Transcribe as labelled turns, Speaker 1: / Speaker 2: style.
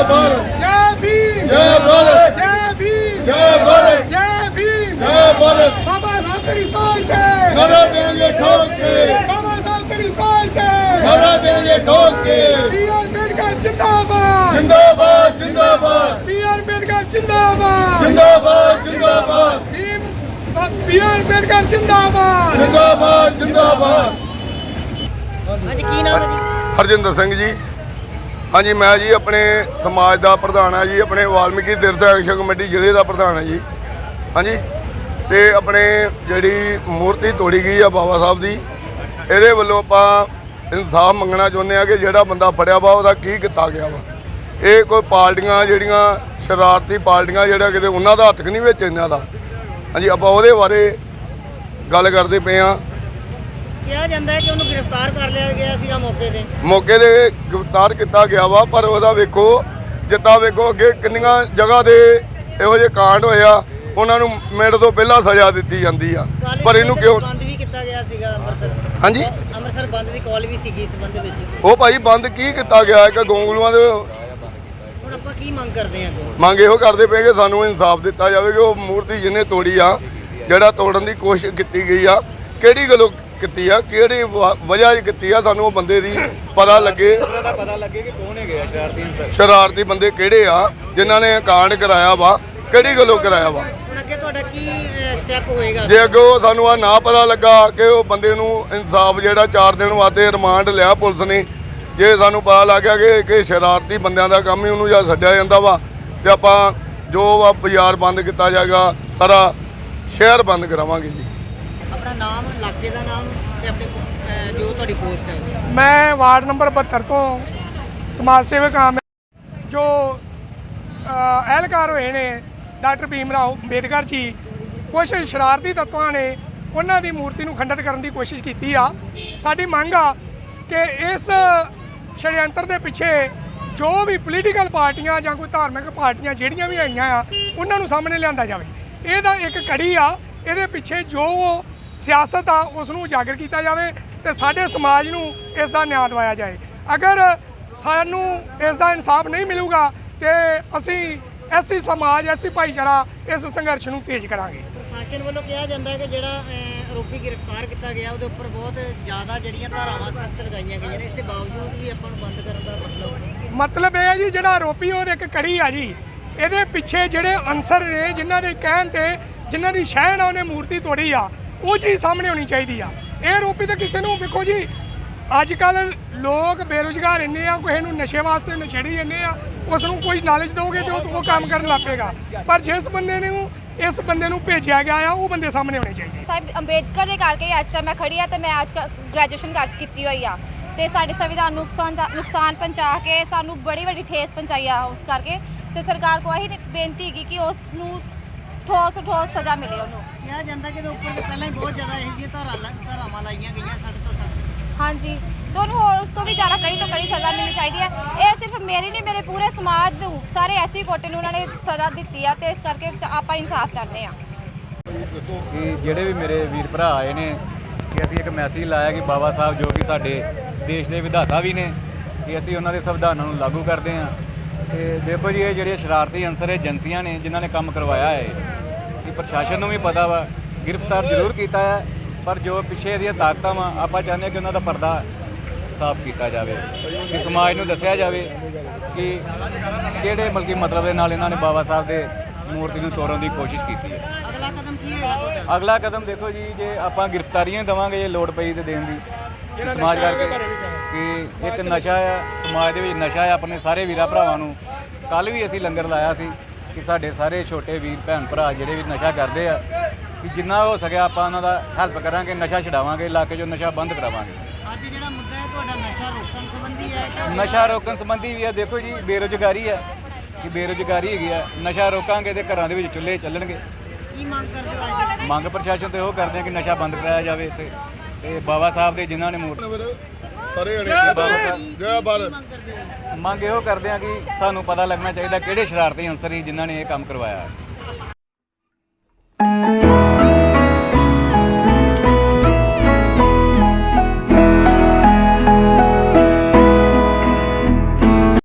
Speaker 1: भारत
Speaker 2: जय भीम
Speaker 1: जय भारत
Speaker 2: जय भीम
Speaker 1: जय भारत
Speaker 2: जय भीम
Speaker 1: जय भारत
Speaker 2: बाबा साहब तेरी सोच के
Speaker 1: नारा देंगे ठोक के
Speaker 2: बाबा साहब तेरी सोच के
Speaker 1: नारा देंगे ठोक के
Speaker 2: बी.आर. अम्बेडकर जिंदाबाद
Speaker 1: जिंदाबाद जिंदाबाद
Speaker 2: बी.आर. अम्बेडकर जिंदाबाद
Speaker 1: जिंदाबाद जिंदाबाद
Speaker 2: बी.आर. अम्बेडकर जिंदाबाद
Speaker 1: जिंदाबाद जिंदाबाद
Speaker 3: ਅੱਜ ਕੀ ਨਾਮ ਹੈ ਜੀ?
Speaker 1: ਹਰਜਿੰਦਰ ਸਿੰਘ ਜੀ। ਹਾਂਜੀ ਮੈਂ ਜੀ ਆਪਣੇ ਸਮਾਜ ਦਾ ਪ੍ਰਧਾਨ ਹਾਂ ਜੀ, ਆਪਣੇ ਵਾਲਮੀਕੀ ਤੀਰਥ ਐਕਸ਼ਨ ਕਮੇਟੀ ਜ਼ਿਲ੍ਹੇ ਦਾ ਪ੍ਰਧਾਨ ਹਾਂ ਜੀ। ਹਾਂਜੀ ਤੇ ਆਪਣੇ ਜਿਹੜੀ ਮੂਰਤੀ ਤੋੜੀ ਗਈ ਆ ਬਾਬਾ ਸਾਹਿਬ ਦੀ, ਇਹਦੇ ਵੱਲੋਂ ਆਪਾਂ ਇਨਸਾਫ ਮੰਗਣਾ ਚਾਹੁੰਦੇ ਆ ਕਿ ਜਿਹੜਾ ਬੰਦਾ ਫੜਿਆ ਵਾ ਉਹਦਾ ਕੀ ਕੀਤਾ ਗਿਆ ਵਾ। ਇਹ ਕੋਈ ਪਾਰਟੀਆਂ ਜਿਹੜੀਆਂ ਸ਼ਰਾਰਤੀ ਪਾਰਟੀਆਂ ਜਿਹੜਾ ਕਿਤੇ ਉਹਨਾਂ ਦਾ ਹੱਥ ਨਹੀਂ ਵਿੱਚ ਇਹਨਾਂ ਦਾ। ਹਾਂਜੀ ਆਪਾਂ ਉਹਦੇ ਬਾਰੇ ਗੱਲ ਕਰਦੇ ਪਏ ਆ।
Speaker 3: ਕਿਹਾ ਜਾਂਦਾ ਹੈ ਕਿ ਉਹਨੂੰ ਗ੍ਰਿਫਤਾਰ ਕਰ ਲਿਆ ਗਿਆ ਸੀਗਾ
Speaker 1: ਮੌਕੇ ਦੇ ਗ੍ਰਿਫਤਾਰ ਕੀਤਾ ਗਿਆ ਵਾ, ਪਰ ਉਹਦਾ ਵੇਖੋ ਜਿੱਦਾਂ ਵੇਖੋ ਅੱਗੇ ਕਿੰਨੀਆਂ ਜਗ੍ਹਾ ਦੇ ਇਹੋ ਜਿਹੇ ਕਾਂਡ ਹੋਏ ਆ, ਉਹਨਾਂ ਨੂੰ ਮਿੰਟ ਤੋਂ ਪਹਿਲਾਂ ਸਜ਼ਾ ਦਿੱਤੀ ਜਾਂਦੀ ਆ, ਪਰ ਇਹਨੂੰ ਕਿਉਂ
Speaker 3: ਬੰਦ ਵੀ ਕੀਤਾ ਗਿਆ ਸੀਗਾ
Speaker 1: ਹਾਂਜੀ
Speaker 3: ਅੰਮ੍ਰਿਤਸਰ ਬੰਦ ਦੀ ਕਾਲ ਵੀ ਸੀਗੀ ਇਸ ਸੰਬੰਧ ਵਿੱਚ।
Speaker 1: ਉਹ ਭਾਈ ਬੰਦ ਕੀ ਕੀਤਾ ਗਿਆ ਕਿ ਗੋਂਗਲੂਆਂ ਦੇ
Speaker 3: ਹੁਣ ਆਪਾਂ ਕੀ ਮੰਗ ਕਰਦੇ ਹਾਂ?
Speaker 1: ਮੰਗ ਇਹੋ ਕਰਦੇ ਪਏ ਕਿ ਸਾਨੂੰ ਇਨਸਾਫ ਦਿੱਤਾ ਜਾਵੇ ਕਿ ਉਹ ਮੂਰਤੀ ਜਿਹਨੇ ਤੋੜੀ ਆ, ਜਿਹੜਾ ਤੋੜਨ ਦੀ ਕੋਸ਼ਿਸ਼ ਕੀਤੀ ਗਈ ਆ, ਕਿਹੜੀ ਗੱਲੋਂ ਕੀਤੀ ਆ, ਕਿਹੜੀ ਵਜ੍ਹਾ ਕੀਤੀ ਆ, ਸਾਨੂੰ ਉਹ ਬੰਦੇ ਦੀ ਪਤਾ ਲੱਗੇ
Speaker 4: ਕਿ ਕੌਣ ਹੈਗੇ ਆ
Speaker 1: ਸ਼ਰਾਰਤੀ ਬੰਦੇ ਕਿਹੜੇ ਆ ਜਿਨ੍ਹਾਂ ਨੇ ਕਾਂਡ ਕਰਾਇਆ ਵਾ, ਕਿਹੜੀ ਗੱਲੋਂ ਕਰਾਇਆ ਵਾ।
Speaker 3: ਹੁਣ ਅੱਗੇ ਤੁਹਾਡਾ ਕੀ ਸਟੈਪ ਹੋਏਗਾ?
Speaker 1: ਜੇ ਅੱਗੋਂ ਸਾਨੂੰ ਆ ਨਾ ਪਤਾ ਲੱਗਾ ਕਿ ਉਹ ਬੰਦੇ ਨੂੰ ਇਨਸਾਫ ਜਿਹੜਾ 4 ਦਿਨ ਵਾਸਤੇ ਰਿਮਾਂਡ ਲਿਆ ਪੁਲਿਸ ਨੇ, ਜੇ ਸਾਨੂੰ ਪਤਾ ਲੱਗ ਗਿਆ ਕਿ ਸ਼ਰਾਰਤੀ ਬੰਦਿਆਂ ਦਾ ਕੰਮ ਹੀ ਉਹਨੂੰ ਜਾਂ ਛੱਡਿਆ ਜਾਂਦਾ ਵਾ, ਤੇ ਆਪਾਂ ਜੋ ਵਾ ਬਾਜ਼ਾਰ ਬੰਦ ਕੀਤਾ ਜਾਏਗਾ, ਸਾਰਾ ਸ਼ਹਿਰ ਬੰਦ ਕਰਾਵਾਂਗੇ ਜੀ।
Speaker 3: ਆਪਣਾ ਨਾਮ, ਇਲਾਕੇ ਦਾ ਨਾਮ ਤੇ ਆਪਣੇ ਜੋ ਤੁਹਾਡੀ ਪੋਸਟ ਹੈ।
Speaker 2: मैं वार्ड नंबर 72 ਤੋਂ ਸਮਾਜ ਸੇਵਕ ਹਾਂ। ਜੋ ਅਹਿਲਕਾਰ ਹੋਏ ਨੇ ਡਾਕਟਰ ਭੀਮ ਰਾਓ ਅੰਬੇਦਕਰ ਜੀ, ਕੁਝ ਸ਼ਰਾਰਤੀ ਤੱਤਾਂ ਨੇ ਉਹਨਾਂ ਦੀ ਮੂਰਤੀ ਨੂੰ ਖੰਡਿਤ ਕਰਨ ਦੀ ਕੋਸ਼ਿਸ਼ ਕੀਤੀ ਆ। ਸਾਡੀ ਮੰਗ ਆ ਕਿ ਇਸ ਸ਼ੜਯੰਤਰ ਦੇ ਪਿੱਛੇ ਜੋ ਵੀ ਪੋਲੀਟੀਕਲ ਪਾਰਟੀਆਂ ਜਾਂ ਕੋਈ ਧਾਰਮਿਕ ਪਾਰਟੀਆਂ ਜਿਹੜੀਆਂ ਵੀ ਆਈਆਂ ਆ, ਉਹਨਾਂ ਨੂੰ ਸਾਹਮਣੇ ਲਿਆਂਦਾ ਜਾਵੇ। ਇਹਦਾ ਇੱਕ ਕੜੀ ਆ, ਇਹਦੇ ਪਿੱਛੇ ਜੋ ਸਿਆਸਤ ਆ ਉਸ ਨੂੰ ਉਜਾਗਰ ਕੀਤਾ ਜਾਵੇ ਤੇ ਸਾਡੇ ਸਮਾਜ ਨੂੰ ਇਸ ਦਾ ਨਿਆਂ ਦਿਵਾਇਆ ਜਾਏ। ਅਗਰ ਸਾਨੂੰ ਇਸ ਦਾ ਇਨਸਾਫ ਨਹੀਂ ਮਿਲੂਗਾ ਤੇ ਅਸੀਂ ਐਸੀ ਸਮਾਜ, ਐਸੀ ਭਾਈਚਾਰਾ ਇਸ ਸੰਘਰਸ਼ ਨੂੰ ਤੇਜ਼ ਕਰਾਂਗੇ।
Speaker 3: ਪ੍ਰਸ਼ਾਸਨ ਵੱਲੋਂ ਕਿਹਾ ਜਾਂਦਾ ਹੈ ਕਿ ਜਿਹੜਾ ਆਰੋਪੀ ਗ੍ਰਿਫਤਾਰ ਕੀਤਾ ਗਿਆ ਉਹਦੇ ਉੱਪਰ ਬਹੁਤ ਜ਼ਿਆਦਾ ਜਿਹੜੀਆਂ ਧਾਰਾਵਾਂ ਸਖਤ ਲਗਾਈਆਂ ਗਈਆਂ ਨੇ, ਇਸ ਦੇ ਬਾਵਜੂਦ ਵੀ ਆਪਾਂ ਨੂੰ ਬੰਦ ਕਰਨ ਦਾ
Speaker 2: ਮਤਲਬ ਇਹ ਹੈ ਜੀ, ਜਿਹੜਾ ਆਰੋਪੀ ਉਹ ਇੱਕ ਕੜੀ ਆ ਜੀ। ਇਹਦੇ ਪਿੱਛੇ ਜਿਹੜੇ ਅਨਸਰ ਨੇ, ਜਿਨ੍ਹਾਂ ਦੇ ਕਹਿਣ ਤੇ, ਜਿਨ੍ਹਾਂ ਦੀ ਸ਼ਹਿ ਨਾਲ ਉਹਨੇ ਮੂਰਤੀ ਤੋੜੀ ਆ, ਉਹ ਚੀਜ਼ ਸਾਹਮਣੇ ਹੋਣੀ ਚਾਹੀਦੀ ਆ। ਇਹ ਆਰੋਪੀ ਤਾਂ ਕਿਸੇ ਨੂੰ, ਵੇਖੋ ਜੀ ਅੱਜ ਕੱਲ੍ਹ ਲੋਕ ਬੇਰੁਜ਼ਗਾਰ ਇੰਨੇ ਆ, ਕਿਸੇ ਨੂੰ ਨਸ਼ੇ ਵਾਸਤੇ ਨਸ਼ੇੜੀ ਇੰਨੇ ਆ, ਉਸ ਨੂੰ ਕੋਈ ਨੌਲੇਜ ਦਿਓਗੇ ਤੇ ਉਹ ਕੰਮ ਕਰਨ ਲੱਗ ਪਏਗਾ। ਪਰ ਜਿਸ ਬੰਦੇ ਨੂੰ ਇਸ ਬੰਦੇ ਨੂੰ ਭੇਜਿਆ ਗਿਆ ਆ, ਉਹ ਬੰਦੇ ਸਾਹਮਣੇ ਹੋਣੇ ਚਾਹੀਦੇ।
Speaker 5: ਸਾਹਿਬ ਅੰਬੇਦਕਰ ਦੇ ਕਰਕੇ ਅੱਜ ਟਾਈਮ ਮੈਂ ਖੜੀ ਆ ਤੇ ਮੈਂ ਅੱਜ ਗ੍ਰੈਜੂਏਸ਼ਨ ਕੀਤੀ ਹੋਈ ਆ ਤੇ ਸਾਡੇ ਸੰਵਿਧਾਨ ਨੂੰ ਨੁਕਸਾਨ ਪਹੁੰਚਾ ਕੇ ਸਾਨੂੰ ਬੜੀ ਵੱਡੀ ਠੇਸ ਪਹੁੰਚਾਈ ਆ। ਉਸ ਕਰਕੇ ਤੇ ਸਰਕਾਰ ਕੋਲ ਇਹੀ ਬੇਨਤੀ ਹੈਗੀ ਕਿ ਉਸ ਨੂੰ ਠੋਸ ਸਜ਼ਾ ਮਿਲੇ। ਉਹਨੂੰ
Speaker 3: ਕਿਹਾ ਜਾਂਦਾ ਕਿ ਇਹਦੇ ਉੱਪਰ ਪਹਿਲਾਂ ਹੀ ਬਹੁਤ ਜ਼ਿਆਦਾ ਇਹੋ ਜਿਹੀਆਂ ਧਾਰਾਵਾਂ ਲਾਈਆਂ ਗਈਆਂ ਸਖਤ ਤੋਂ ਸਖਤ।
Speaker 5: ਹਾਂਜੀ, ਤੇ ਉਹਨੂੰ ਹੋਰ ਉਸ ਤੋਂ ਵੀ ਜ਼ਿਆਦਾ ਕੜੀ ਤੋਂ ਕੜੀ ਸਜ਼ਾ ਮਿਲਣੀ ਚਾਹੀਦੀ ਹੈ। ਇਹ ਸਿਰਫ ਮੇਰੀ ਨਹੀਂ, ਮੇਰੇ ਪੂਰੇ ਸਮਾਜ ਨੂੰ, ਸਾਰੇ ਐਸੀ ਕੋਟੇ ਨੂੰ ਉਹਨਾਂ ਨੇ ਸਜ਼ਾ ਦਿੱਤੀ ਆ ਤੇ ਇਸ ਕਰਕੇ ਆਪਾਂ ਇਨਸਾਫ ਚਾਹੁੰਦੇ ਆ।
Speaker 4: ਕਿ ਜਿਹੜੇ ਵੀ ਮੇਰੇ ਵੀਰ ਭਰਾ ਆਏ ਨੇ, ਕਿ ਅਸੀਂ ਇੱਕ ਮੈਸੇਜ ਲਾਇਆ ਕਿ ਬਾਬਾ ਸਾਹਿਬ ਜੋ ਕਿ ਸਾਡੇ ਦੇਸ਼ ਦੇ ਵਿਧਾਤਾ ਵੀ ਨੇ, ਕਿ ਅਸੀਂ ਉਹਨਾਂ ਦੇ ਸੰਵਿਧਾਨਾਂ ਨੂੰ ਲਾਗੂ ਕਰਦੇ ਹਾਂ। ਤੇ ਦੇਖੋ ਜੀ, ਇਹ ਜਿਹੜੇ ਸ਼ਰਾਰਤੀ ਅਨਸਰ ਏਜੰਸੀਆਂ ਨੇ ਜਿਨ੍ਹਾਂ ਨੇ ਕੰਮ ਕਰਵਾਇਆ ਹੈ, ਕਿ ਪ੍ਰਸ਼ਾਸਨ ਨੂੰ ਵੀ ਪਤਾ ਵਾ, ਗ੍ਰਿਫਤਾਰ ਜ਼ਰੂਰ ਕੀਤਾ ਹੈ, ਪਰ ਜੋ ਪਿੱਛੇ ਦੀਆਂ ਤਾਕਤਾਂ ਵਾ, ਆਪਾਂ ਚਾਹੁੰਦੇ ਹਾਂ ਕਿ ਉਹਨਾਂ ਦਾ ਪਰਦਾ ਸਾਫ਼ ਕੀਤਾ ਜਾਵੇ, ਕਿ ਸਮਾਜ ਨੂੰ ਦੱਸਿਆ ਜਾਵੇ ਕਿ ਕਿਹੜੇ ਮਤਲਬ ਦੇ ਨਾਲ ਇਹਨਾਂ ਨੇ ਬਾਬਾ ਸਾਹਿਬ ਦੇ ਮੂਰਤੀ ਨੂੰ ਤੋੜਨ ਦੀ ਕੋਸ਼ਿਸ਼ ਕੀਤੀ ਹੈ।
Speaker 3: ਅਗਲਾ ਕਦਮ ਕੀ ਹੋਏਗਾ ਤੁਹਾਡਾ?
Speaker 4: ਅਗਲਾ ਕਦਮ ਦੇਖੋ ਜੀ, ਜੇ ਆਪਾਂ ਗ੍ਰਿਫਤਾਰੀਆਂ ਦੇਵਾਂਗੇ, ਜੇ ਲੋੜ ਪਈ ਤੇ ਦੇਣ ਦੀ, ਸਮਾਜ ਕਰਕੇ ਕਿ ਇੱਕ ਨਸ਼ਾ ਆ ਸਮਾਜ ਦੇ ਵਿੱਚ, ਨਸ਼ਾ ਆ ਆਪਣੇ ਸਾਰੇ ਵੀਰਾਂ ਭਰਾਵਾਂ ਨੂੰ। ਕੱਲ੍ਹ ਵੀ ਅਸੀਂ ਲੰਗਰ ਲਾਇਆ ਸੀ ਕਿ ਸਾਡੇ ਸਾਰੇ ਛੋਟੇ ਵੀਰ ਭੈਣ ਭਰਾ ਜਿਹੜੇ ਵੀ ਨਸ਼ਾ ਕਰਦੇ ਆ, ਕਿ ਜਿੰਨਾ ਹੋ ਸਕਿਆ ਆਪਾਂ ਉਹਨਾਂ ਦਾ ਹੈਲਪ ਕਰਾਂਗੇ, ਨਸ਼ਾ ਛਡਾਵਾਂਗੇ, ਇਲਾਕੇ 'ਚੋਂ ਨਸ਼ਾ ਬੰਦ ਕਰਾਵਾਂਗੇ।
Speaker 3: ਅੱਜ ਜਿਹੜਾ ਮੁੱਦਾ ਹੈ ਤੁਹਾਡਾ ਨਸ਼ਾ ਰੋਕਣ ਸੰਬੰਧੀ ਹੈ?
Speaker 4: ਨਸ਼ਾ ਰੋਕਣ ਸੰਬੰਧੀ ਵੀ ਆ। ਦੇਖੋ ਜੀ, ਬੇਰੁਜ਼ਗਾਰੀ ਆ, ਕਿ ਬੇਰੁਜ਼ਗਾਰੀ ਹੈਗੀ ਆ, ਨਸ਼ਾ ਰੋਕਾਂਗੇ ਤੇ ਘਰਾਂ ਦੇ ਵਿੱਚ ਚੁੱਲ੍ਹੇ ਚੱਲਣਗੇ।
Speaker 3: ਕੀ ਮੰਗ ਕਰਦੇ ਹੋ?
Speaker 4: ਮੰਗ ਪ੍ਰਸ਼ਾਸਨ ਤੋਂ ਇਹੋ ਕਰਦੇ ਆ ਕਿ ਨਸ਼ਾ ਬੰਦ ਕਰਾਇਆ ਜਾਵੇ ਇੱਥੇ, ਤੇ ਬਾਬਾ ਸਾਹਿਬ ਦੇ ਜਿਨ੍ਹਾਂ ਨੇ
Speaker 1: ਜੈ ਭਾਰਤ।
Speaker 4: ਮੰਗ ਇਹੋ ਕਰਦੇ ਆ ਕਿ ਸਾਨੂੰ ਪਤਾ ਲੱਗਣਾ ਚਾਹੀਦਾ ਕਿਹੜੇ ਸ਼ਰਾਰਤੀ ਅਨਸਰ ਸੀ ਜਿਨ੍ਹਾਂ ਨੇ ਇਹ ਕੰਮ ਕਰਵਾਇਆ।